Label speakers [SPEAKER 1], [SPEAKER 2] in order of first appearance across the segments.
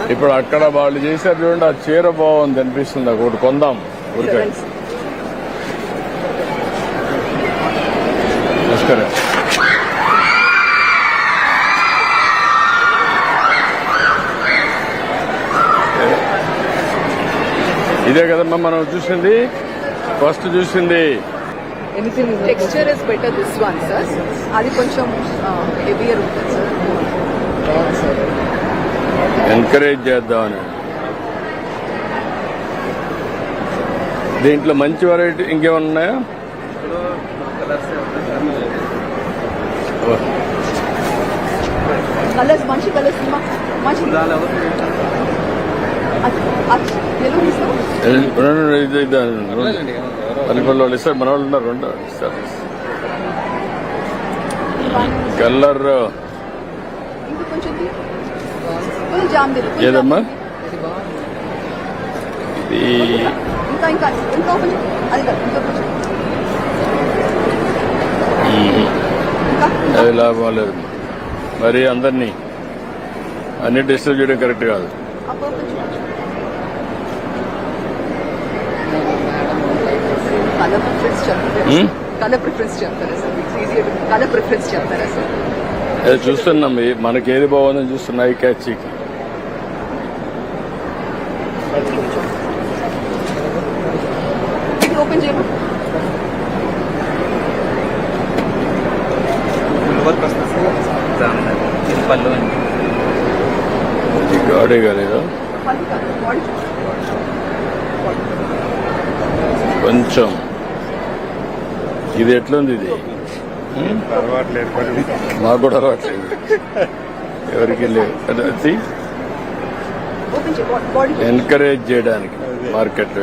[SPEAKER 1] ఇప్పుడు అక్కడ వాళ్ళు చేశారు చూడండి, ఆ చీర బాగుంది అనిపిస్తుంది, ఒకటి కొందాం ఊరికే. నమస్కారం. ఇదే కదమ్మా మనం చూసింది, ఫస్ట్ చూసింది.
[SPEAKER 2] Texture is better this one sir, అది కొంచెం హెవియర్ ఉంటుంది సార్.
[SPEAKER 1] ఎంకరేజ్ చేద్దామని. దీంట్లో మంచి వెరైటీ ఇంకేమన్నా ఉన్నాయా?
[SPEAKER 2] కలర్స్ మంచి కలర్స్ మంచి
[SPEAKER 1] పల్లెపల్లి వాళ్ళు ఇస్తారు, మన వాళ్ళు ఉన్నారు, రెండు ఇస్తారు. కలర్ ఏదమ్మా ఇది? అది లాభం లేదు మరి, అందరినీ అన్ని డిస్టర్బ్ చేయడం కరెక్ట్ కాదు.
[SPEAKER 2] కలర్ ప్రిఫరెన్స్ చెప్తారా సార్?
[SPEAKER 1] అది చూస్తున్నాం, మనకి ఏది బాగుందని చూస్తున్నాయి. Catch
[SPEAKER 2] open చేయమా?
[SPEAKER 1] గాడే కాలేదా కొంచెం? ఇది ఎట్లుంది? ఇది మాకు కూడా అలవాట్లేదు, ఎవరికి లేదు. ఎంకరేజ్ చేయడానికి మార్కెట్.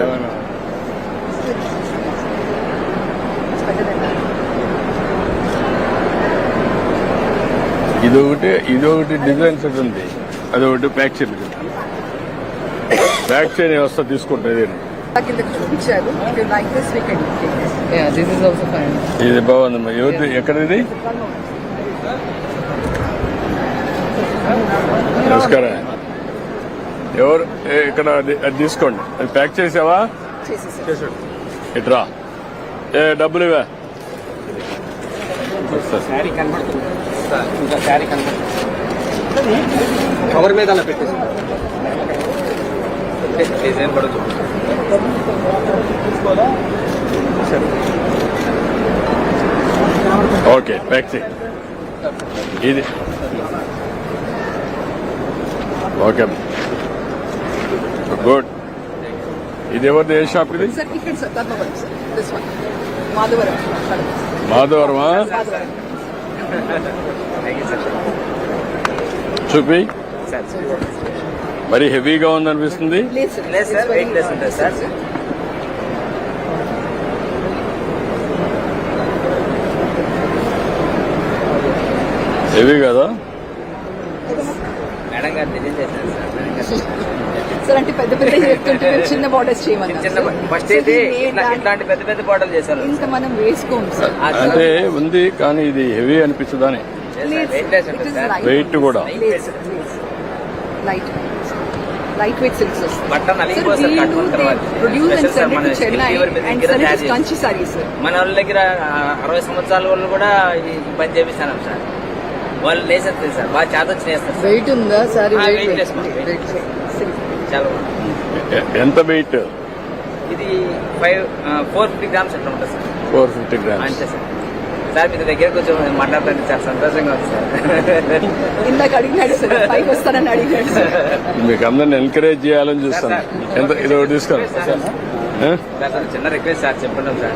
[SPEAKER 1] ఇదొకటి డిజైన్ సెట్ ఉంది, అదొకటి ప్యాక్ చైన్. ప్యాక్ చైన్ వ్యవస్థ తీసుకుంటుంది. ఇది బాగుందమ్మా. ఎవరు ఎక్కడిది? నమస్కారం. ఎవరు ఇక్కడ? అది తీసుకోండి. అది ప్యాక్ చేసావా? ఇట్రా. డబ్బులు ఇవా?
[SPEAKER 3] కవర్ మీద అలా పెట్టేసి డిజైన్ కూడా
[SPEAKER 1] ఓకే, ప్యాక్ చేయి. ఇది ఓకే, గుడ్. ఇది ఎవరిది? ఏ షాప్ ఇది? మాధవరమా? చూపి. మరి హెవీగా ఉందనిపిస్తుంది. హెవీ కదా?
[SPEAKER 3] మేడం గారు డిజైన్ చేశారు
[SPEAKER 2] సార్. అంటే పెద్ద పెద్ద చెప్తుంటే చిన్న బార్డర్స్ చేయమని.
[SPEAKER 3] ఫస్ట్ అయితే ఇట్లాంటి పెద్ద పెద్ద బార్డర్లు చేశారు.
[SPEAKER 2] ఇంకా మనం వేసుకోం సార్.
[SPEAKER 1] అంటే ఉంది కానీ ఇది హెవీ అనిపిస్తుందని. వెయిట్ కూడా
[SPEAKER 2] లైట్ వెయిట్ సిల్క్స్
[SPEAKER 3] బట్టన్
[SPEAKER 2] చెన్నై అండ్ కంచి సారీస్.
[SPEAKER 3] మన వాళ్ళ దగ్గర 60 సంవత్సరాల వాళ్ళు కూడా ఈ పని చేపిస్తాను సార్. వాళ్ళు లేసేస్తారు సార్, బాగా చేత వచ్చి చేస్తారు.
[SPEAKER 2] వెయిట్ ఉందా సారీ?
[SPEAKER 3] చాలా
[SPEAKER 1] ఎంత వెయిట్?
[SPEAKER 3] ఇది 450 గ్రామ్స్ అట్లా ఉంటుంది సార్.
[SPEAKER 1] 450 గ్రామ్స్
[SPEAKER 3] అంతే సార్. సార్ మీ దగ్గర కొంచెం మాట్లాడుతుంటే చాలా సంతోషంగా ఉంది సార్.
[SPEAKER 2] ఇందాక అడిగినాడు సార్, పైకి వస్తానని అడిగినాడు సార్.
[SPEAKER 1] మీకు అందరిని ఎంకరేజ్ చేయాలని చూస్తాను. ఎంత ఇది ఒకటి తీసుకోండి
[SPEAKER 3] సార్. చిన్న రిక్వెస్ట్ సార్, చెప్పండి సార్.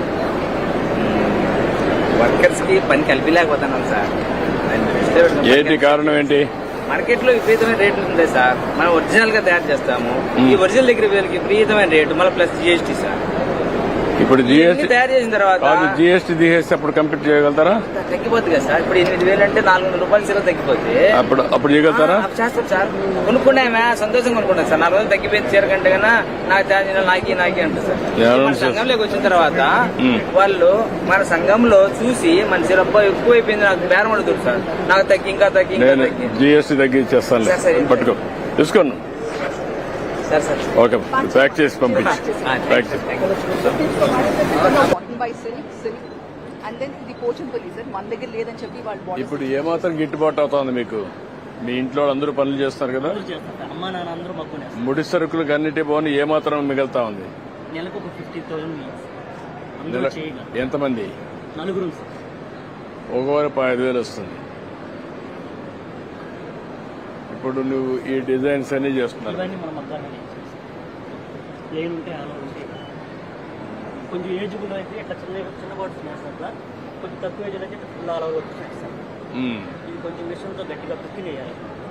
[SPEAKER 3] వర్కర్స్ కి పని కలిపిలేకపోతున్నాం సార్.
[SPEAKER 1] ఏంటి కారణం? ఏంటి?
[SPEAKER 3] మార్కెట్ లో విపరీతమైన రేట్లు ఉంటాయి సార్. మనం ఒరిజినల్ గా తయారు చేస్తాము. ఈ ఒరిజినల్ దగ్గర వీళ్ళకి విపరీతమైన రేటు, మళ్ళీ ప్లస్ జిఎస్టీ సార్.
[SPEAKER 1] ఇప్పుడు జిఎస్టీ
[SPEAKER 3] తయారు చేసిన తర్వాత
[SPEAKER 1] జిఎస్టీ తీసేస్తే అప్పుడు కంప్లీట్ చేయగలుగుతారా?
[SPEAKER 3] తగ్గిపోతుంది కదా సార్. ఇప్పుడు 8,000 అంటే 400 రూపాయలు సీల తగ్గిపోతే
[SPEAKER 1] అప్పుడు చేయగలుగుతారా?
[SPEAKER 3] చేస్తాం సార్. కొనుక్కున్నామే సంతోషంగా కొనుక్కున్నాం సార్. 4 రోజులు తగ్గిపోయింది చీర కంటే కన్నా నాకు తయారు నాకి అంటే సార్. మన సంఘంలోకి వచ్చిన తర్వాత వాళ్ళు మన సంఘంలో చూసి మన చీర ఎక్కువ అయిపోయింది, నాకు బేరం అడుగుతారు సార్. నాకు తగ్గి ఇంకా తగ్గి
[SPEAKER 1] జిఎస్టీ తగ్గి ఇచ్చేస్తాను. పట్టుకో, తీసుకోండి.
[SPEAKER 3] సార్ సార్
[SPEAKER 1] ఓకే ప్యాక్ చేసి పంపించి ప్యాక్ చేసి
[SPEAKER 2] cotton by silk and then ఇది పోచంపల్లి సార్ మన దగ్గర లేదని చెప్పి వాళ్ళు
[SPEAKER 1] ఇప్పుడు ఏమాత్రం గిట్టుబాటు అవుతోంది మీకు? మీ ఇంట్లో అందరూ పనులు చేస్తున్నారు కదా,
[SPEAKER 4] అమ్మా నాన్న అందరూ మగ్గునే
[SPEAKER 1] ముడి సరుకులకు అన్నిటి పోని ఏమాత్రం మిగులుతా ఉంది?
[SPEAKER 4] నెలకు ఒక 50,000 అందరూ చేయగా
[SPEAKER 1] ఎంతమంది?
[SPEAKER 4] నలుగురు
[SPEAKER 1] ఒకవారు 5,000 వస్తుంది. ఇప్పుడు నువ్వు ఈ డిజైన్స్ అన్ని చేస్తున్నారు.
[SPEAKER 4] ఇవన్నీ మనం మగ్గానే ప్లేన్ ఉంటే అలా ఉంటే కొంచెం ఏజ్బుల్ అయితే ఇట్లా చిన్న బాటిల్స్ వేస్తాం అట్లా, కొంచెం తక్కువ ఏజ్ అయితే ఇట్లా ఫుల్ ఆల్ ఓవర్ వచ్చేస్తాం. ఇది కొంచెం మిషన్తో గట్టిగా కుక్కి వేయాలి.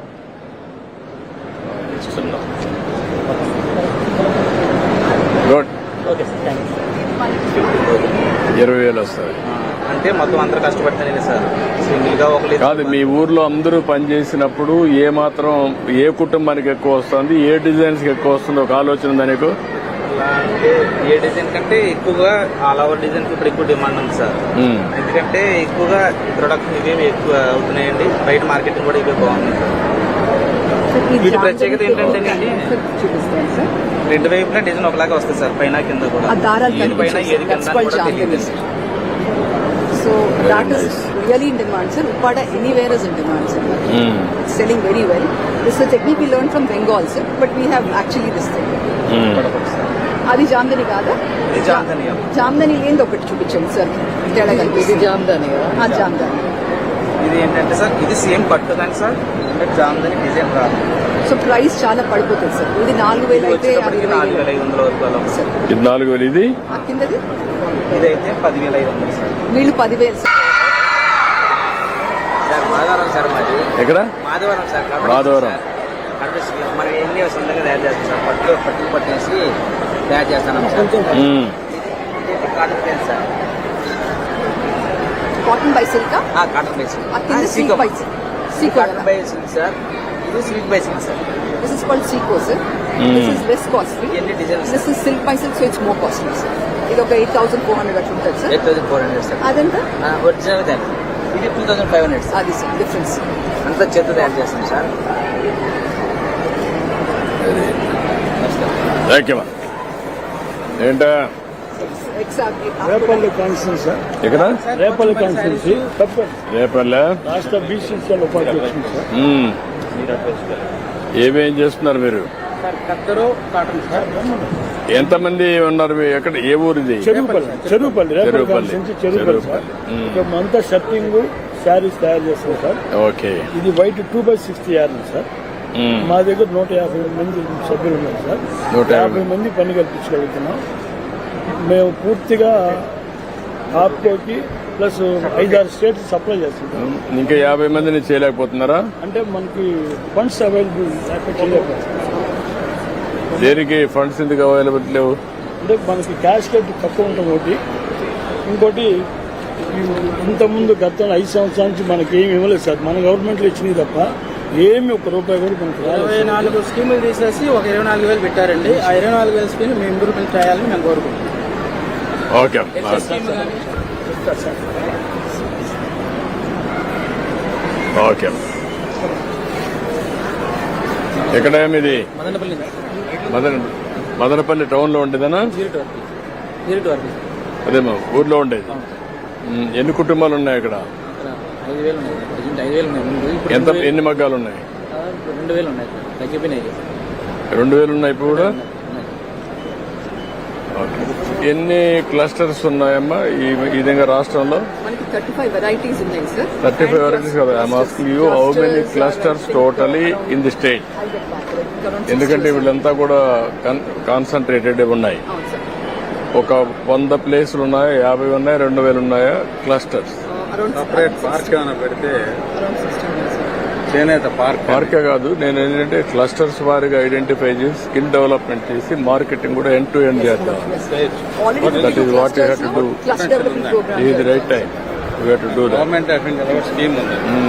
[SPEAKER 1] Good.
[SPEAKER 4] Okay sir, thank you.
[SPEAKER 1] 20,000 వస్తుంది.
[SPEAKER 3] అంటే మొత్తం అందరూ కష్టపడితేనే సార్ సింగిల్ గా ఒక
[SPEAKER 1] కాదు, మీ ఊర్లో అందరూ పనిచేసినప్పుడు ఏ మాత్రం ఏ కుటుంబానికి ఎక్కువ వస్తుంది, ఏ డిజైన్స్ కి ఎక్కువ వస్తుంది ఒక ఆలోచన ఉందా నీకు?
[SPEAKER 3] అంటే ఏ డిజైన్ కంటే ఎక్కువగా ఆల్ ఓవర్ డిజైన్ ఇప్పుడు ఎక్కువ డిమాండ్ ఉంది సార్. ఎందుకంటే ఎక్కువగా ప్రొడక్ట్ ఇవేమి ఎక్కువ అవుతున్నాయండి, బయట మార్కెటింగ్ కూడా ఇవే బాగుంది సార్. వీటి ప్రత్యేకత ఏంటంటే
[SPEAKER 2] చూపిస్తాను సార్.
[SPEAKER 3] రెండు వైపులా డిజైన్ ఒకలాగా వస్తుంది సార్, పైన కింద కూడా.
[SPEAKER 2] ఆ దారాలు
[SPEAKER 3] ఏది పైన ఏది కింద అని కూడా తెలియదు.
[SPEAKER 2] So that is really in demand sir. Uppada anywhere is in demand sir. Selling very well. This is a technique we learned from Bengal sir, but we have actually this thing. అది జామ్దని కాదా?
[SPEAKER 3] ఇది జామ్దని.
[SPEAKER 2] జామ్దని ఏంది ఒకటి చూపించండి సార్. తేడా కలిపి ఇది జామ్దని. జామ్దని.
[SPEAKER 3] ఇది ఏంటంటే సార్ ఇది సేమ్ పట్టు కానీ సార్, అంటే జామ్దని డిజైన్ రాదు.
[SPEAKER 2] సో ప్రైస్ చాలా పడిపోతుంది సార్. ఇది 4,000 అయితే
[SPEAKER 3] 4,500 వరకు అలా
[SPEAKER 2] సార్.
[SPEAKER 1] ఇది 4,000. ఇది
[SPEAKER 2] కిందది
[SPEAKER 3] ఇదైతే 10,500 సార్.
[SPEAKER 2] వీళ్ళు 10,000 సార్.
[SPEAKER 3] మాధవరం సార్ మాది.
[SPEAKER 1] ఎక్కడ?
[SPEAKER 3] మాధవరం సార్.
[SPEAKER 1] మాధవరం.
[SPEAKER 3] మరి ఎన్ని సొంతంగా తయారు చేస్తాం సార్. పట్టు పట్టేసి తయారు చేస్తాను sir. Cotton plain sir.
[SPEAKER 2] Cotton by silk.
[SPEAKER 3] Cotton by silk.
[SPEAKER 2] Silk by silk.
[SPEAKER 3] Cotton by silk sir. ఇది silk by silk sir.
[SPEAKER 2] This is called Seco sir. This is less costly.
[SPEAKER 3] ఎన్ని designs?
[SPEAKER 2] This is silk by silk, so it's more costly sir. ఇది ఒక 8,400 అట్లా ఉంటుంది sir.
[SPEAKER 3] 8,400 sir.
[SPEAKER 2] అదంతా
[SPEAKER 3] original దాన్ని ఇది 2,500 sir.
[SPEAKER 2] అది సార్ డిఫరెన్స్.
[SPEAKER 3] అంతా చేత తయారు చేస్తాం సార్.
[SPEAKER 1] Thank you. ఏంటా
[SPEAKER 2] ఎగ్జాక్ట్లీ.
[SPEAKER 5] Repalle constituency sir.
[SPEAKER 1] ఎక్కడ?
[SPEAKER 5] రేపల్లి కాన్స్టిట్యూన్సీ
[SPEAKER 1] రేపల్లె
[SPEAKER 5] రాష్ట్ర బీసీసీఎల్ ఉపాధ్యక్షుడు సార్.
[SPEAKER 1] ఏమేం చేస్తున్నారు మీరు?
[SPEAKER 3] కత్తరు కాటన్ సార్.
[SPEAKER 1] ఎంతమంది ఉన్నారు? ఎక్కడ? ఏ ఊరు ఇది?
[SPEAKER 5] Cheruvupalli Repalle constituency Cheruvupalli sir. ఇక్కడ అంతా షర్టింగ్ శారీస్ తయారు చేస్తాం సార్.
[SPEAKER 1] ఓకే.
[SPEAKER 5] ఇది వైట్ 2/60 యార్డ్ సార్. మా దగ్గర 150 మంది సభ్యులు ఉన్నారు సార్. 150 మంది పని కల్పించగలుగుతున్నాం. మేము పూర్తిగా ఆప్కోకి ప్లస్ 5-6 స్టేట్స్ సప్లై చేస్తున్నాం.
[SPEAKER 1] ఇంకా 50 మందిని చేయలేకపోతున్నారా?
[SPEAKER 5] అంటే మనకి ఫండ్స్ అవైలబుల్ చేయలేకపోతున్నాం.
[SPEAKER 1] దేనికి ఫండ్స్ ఎందుకు అవైలబుల్ లేవు?
[SPEAKER 5] అంటే మనకి క్యాష్ కట్ తక్కువ ఉంటుంది ఒకటి. ఇంకోటి ఇంతకుముందు గత 5 సంవత్సరాల నుంచి మనకి ఏమి ఇవ్వలేదు సార్. మన గవర్నమెంట్లో ఇచ్చినవి తప్ప ఏమి ఒక్క రూపాయి కూడా మనకి
[SPEAKER 6] 24 స్కీములు తీసేసి ఒక 24,000 పెట్టారండి. ఆ 24,000 స్కీమ్ మేము ఇంప్రూవ్మెంట్ చేయాలని మేము కోరుకుంటున్నాం.
[SPEAKER 1] ఓకే. ఓకే. ఎక్కడ ఇది? మదనపల్లి టౌన్ లో ఉండేదనా? అదేమో ఊర్లో ఉండేది. ఎన్ని కుటుంబాలు ఉన్నాయి అక్కడ?
[SPEAKER 6] 5,000 ఉన్నాయి. 5,000 ఉన్నాయి.
[SPEAKER 1] ఎంత? ఎన్ని మగ్గాలు ఉన్నాయి?
[SPEAKER 6] 2,000 ఉన్నాయి. తగ్గిపోయినాయి.
[SPEAKER 1] 2,000 ఉన్నాయి ఇప్పుడు కూడా. ఎన్ని క్లస్టర్స్ ఉన్నాయమ్మా ఈ విధంగా రాష్ట్రంలో?
[SPEAKER 2] మనకి 35 varieties ఉన్నాయి సార్.
[SPEAKER 1] 35 varieties కదా. I'm asking you how many clusters totally in the state? ఎందుకంటే వీళ్ళంతా కూడా కాన్సన్ట్రేటెడ్ ఉన్నాయి.
[SPEAKER 2] అవును సార్.
[SPEAKER 1] ఒక 100 ప్లేసులు ఉన్నాయా, 50 ఉన్నాయా, 2,000 ఉన్నాయా క్లస్టర్స్?
[SPEAKER 7] సపరేట్ పార్క్ ఏమైనా పెడితే
[SPEAKER 2] అరౌండ్ 60 ఉన్నాయి సార్.
[SPEAKER 7] చేనేత
[SPEAKER 1] పార్కే కాదు, నేను ఏంటంటే క్లస్టర్స్ వారిగా ఐడెంటిఫై చేసి స్కిల్ డెవలప్మెంట్ చేసి మార్కెటింగ్ కూడా ఎండ్ టు ఎండ్ చేద్దాం.
[SPEAKER 2] Already
[SPEAKER 1] That is what you have to do.
[SPEAKER 2] cluster development program.
[SPEAKER 1] This is the right time. You have to do that.
[SPEAKER 7] Government of India scheme ఉంది.